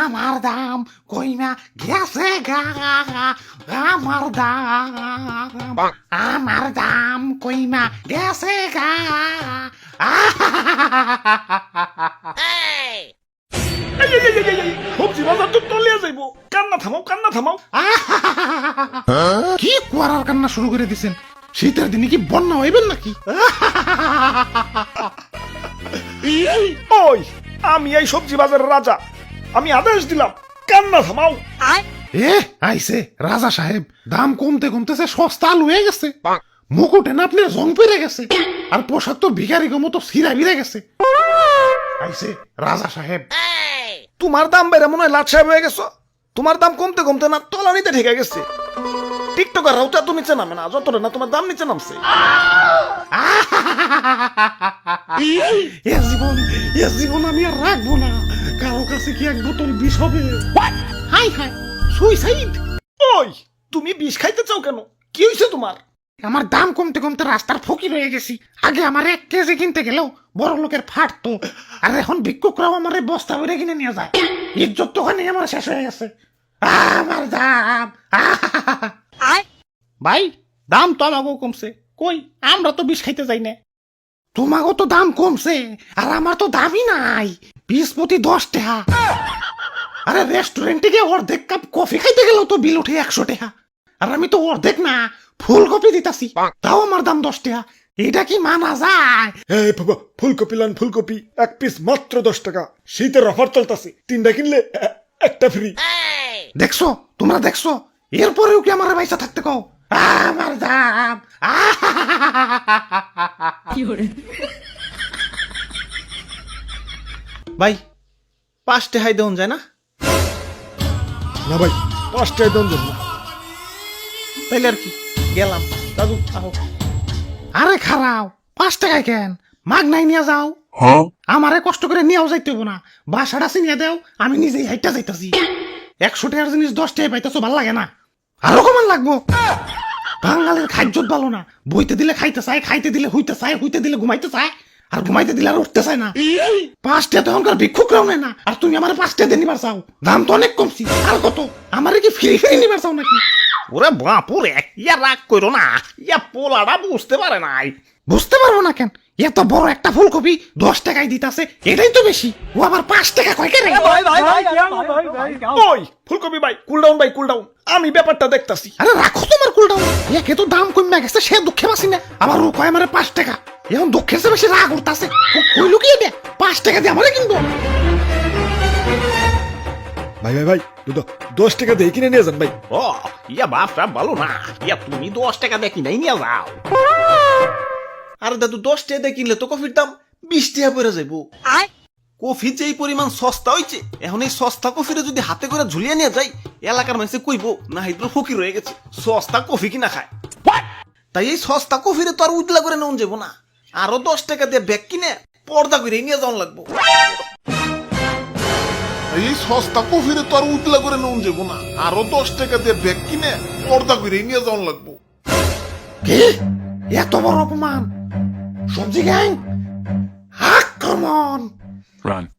আমার দাম কইমা গেছে গা, আমার দাম কইমা গেছে গা। সবজি বাজার তো তলিয়া যাইব, কান্না থামাও। কি কুয়ারার কান্না শুরু করে দিছেন? শীতের দিনে কি বন্যা হইবেন নাকি? ওই আমি এই সবজি বাজারের রাজা, আমি আদেশ দিলাম, কান্না থামাও। এ আইছে রাজা সাহেব, দাম কমতে কমতেছে সস্তা আলু হয়ে গেছে, মুকুটে না আপনার জং পেরে গেছে, আর পোশাক তো ভিখারি মতো সিরা বিরে গেছে। আইছে রাজা সাহেব। তোমার দাম বেড়ে মনে হয় লাট সাহেব হয়ে গেছো। তোমার দাম কমতে কমতে না তলানিতে ঠেকে গেছে। টিকটকার রাউটা তো নিচে নামে না, যতটা না তোমার দাম নিচে নামছে। এ জীবন আমি আর রাখবো না। কারো কাছে কি এক বোতল বিষ হবে? হাই হাই, সুইসাইড। ওই তুমি বিষ খাইতে চাও কেন? কি হয়েছে তোমার? আমার দাম কমতে কমতে রাস্তার ফকির হয়ে গেছি। আগে আমার 1 কেজি কিনতে গেলেও বড় লোকের ফাটতো, আর এখন ভিক্ষুকরাও আমার বস্তা ভরে কিনে নিয়ে যায়। ইজ্জত তো ওখানে আমার শেষ হয়ে গেছে। আমার দাম। ভাই, দাম তো আমাকেও কমছে, কই আমরা তো বিষ খাইতে যাই না। তোমাকেও তো দাম কমছে, আর আমার তো দামই নাই। 20 প্রতি 10 টাকা। আরে রেস্টুরেন্টে গিয়ে অর্ধেক কাপ কফি খাইতে গেলেও তো বিল উঠে 100 টাকা, আর আমি তো অর্ধেক না ফুলকপি দিতাছি, তাও আমার দাম 10 টাকা। এটা কি মানা যায়? এই বাবা, ফুলকপি লান, ফুলকপি 1 পিস মাত্র 10 টাকা। শীতের অফার চলতেছে, 3টা কিনলে একটা ফ্রি। দেখছো, তোমরা দেখছো, এরপরেও কি আমার পয়সা থাকতে কও? আমার দাম। ভাই 5 টাকায় দেন যায় না? না ভাই, 5 টাকা দাম দেন না। তাইলে আর কি, গেলাম। দাদু আহো। আরে খারাও, 5 টাকায় কেন? মাগ নাই নিয়ে যাও। আমারে কষ্ট করে নিয়েও যাইতে হবো না, বাসাটা চিনিয়ে দেও, আমি নিজেই হাইটা যাইতাছি। 100 টাকার জিনিস 10 টাকায় পাইতেছো, ভাল লাগে না? আরো কমান লাগবো। বাঙালির খাদ্যত ভালো না, বইতে দিলে খাইতে চায়, খাইতে দিলে হইতে চায়, হইতে দিলে ঘুমাইতে চায়, আর ঘুমাইতে দিলে আর উঠতে চায় না। 5 টাকা তো এখনকার ভিক্ষুকরাও নেয় না, আর তুমি আমার 5 টাকা দিয়ে নিবার চাও? দাম তো অনেক কমছি। আর কত? আমারে কি ফ্রি ফ্রি নিবার চাও নাকি? ওরে বাপুরে, ইয়া রাগ করো না, ইয়া পোলাটা বুঝতে পারে নাই। বুঝতে পারবো না কেন? এত বড় একটা ফুলকপি 10 টাকায় দিতাছে, এটাই তো বেশি। ও আবার 5 টাকা কয় কেন? ওই ফুলকপি ভাই, কুল ডাউন ভাই, কুল ডাউন, আমি ব্যাপারটা দেখতাছি। আরে রাখো তোমার কুলটাও। একে তো দাম কমে গেছে, সে দুঃখে বাসি না, আবার ও কয় আমারে 5 টাকা। এখন দুঃখের চেয়ে বেশি রাগ উঠতাছে। কই লুকিয়ে দে, 5 টাকা দিয়ে আমারে কিনবো। ভাই 10 টাকা দিয়ে কিনে নিয়ে যান ভাই। ও ইয়া বাপটা ভালো না, ইয়া তুমি 10 টাকা দিয়ে কিনাই নিয়ে যাও। আরে দাদু 10 টাকা দিয়ে কিনলে তো কফির দাম 20 টাকা পড়ে যাইবো। কফি যে এই পরিমাণ সস্তা হইছে, এখন এই সস্তা কফিরে যদি হাতে করে ঝুলিয়ে নিয়ে যাই, এলাকার মানুষে কইবো না হাইদ্র ফকির হয়ে গেছে, সস্তা কফি কিনা খায়। তাই এই সস্তা কফিরে তো আর উজলা করে নেওয়া যাবো না, আরো 10 টাকা দিয়ে ব্যাগ কিনে পর্দা করে নিয়ে যাওয়া লাগবো। এই সস্তা কফিরে তো আর উতলা করে নেওয়া যাবো না, আরো 10 টাকা দিয়ে ব্যাগ কিনে পর্দা করে নিয়ে যাওয়া লাগবো। কি এত বড় অপমান? সবজি গ্যাং আক্রমণ! Run.